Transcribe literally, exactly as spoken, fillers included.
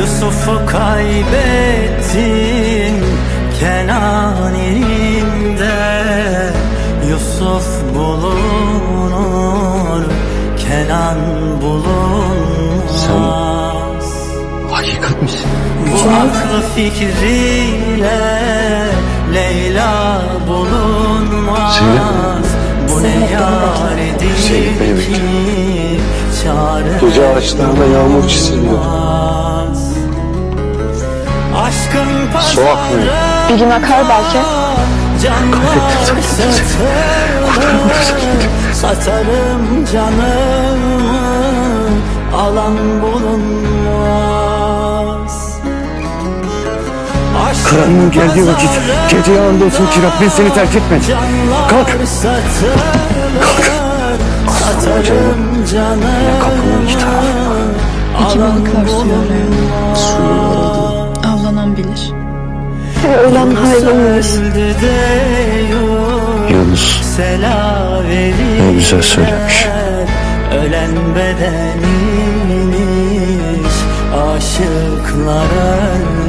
Yusuf'u kaybettim Kenan elinde. Yusuf bulunur, Kenan bulunmaz. Sen hakikat misin? Bu aklı fikriyle Leyla bulunmaz. Zeynep. Bu ne yaredir Zeynep beni ki bekle. çare Gece ağaçlarında yağmur çiziliyor. olmaz. Aşkın Su akmıyor. Bir gün akar belki. Canlar satılır, satarım canımı, alan bulunmaz. Karanlığın geldiği vakit gece yanında olsun ki Rabbin seni terk etmedi. Kalk. Kalk. Aslanım canım. Yine kapının iki tarafında. İki balıklar suya arayan. Suyun aradığı. Avlanan bilir. Ölen hayrıymış. Yunus ne güzel söylemiş. Ölen bedeniymiş, aşıklar ölmüş.